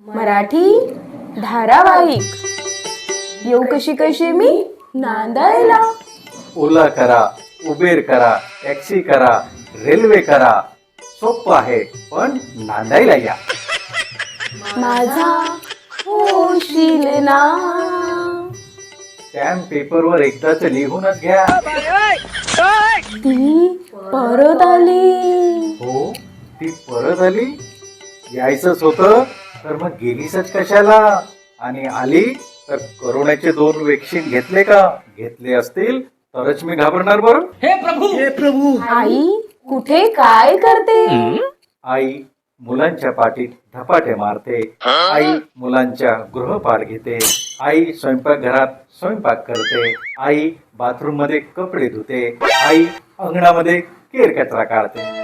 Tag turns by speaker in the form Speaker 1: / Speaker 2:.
Speaker 1: मराठी धारावाहिक. येऊ कशी कशी मी नांदायला.
Speaker 2: ओला करा, उबेर करा, टॅक्सी करा, रेल्वे करा, सोपं आहे पण नांदायला या.
Speaker 1: माझा होशील ना.
Speaker 2: स्टॅम्प पेपरवर एकदाच लिहूनच घ्या.
Speaker 1: ती परत आली.
Speaker 2: हो, ती परत आली. यायचंच होतं तर मग गेलीसच कशाला. आणि आली तर करोनाचे 2 वॅक्सिन घेतले का. घेतले असतील तरच मी घाबरणार बरं.
Speaker 3: हे प्रभु
Speaker 1: आई कुठे काय करते.
Speaker 2: आई मुलांच्या पाठीत धपाटे मारते. आई मुलांच्या गृहपाठ घेते. आई स्वयंपाकघरात स्वयंपाक करते. आई बाथरूम मध्ये कपडे धुते. आई अंगणामध्ये केर कचरा काढते.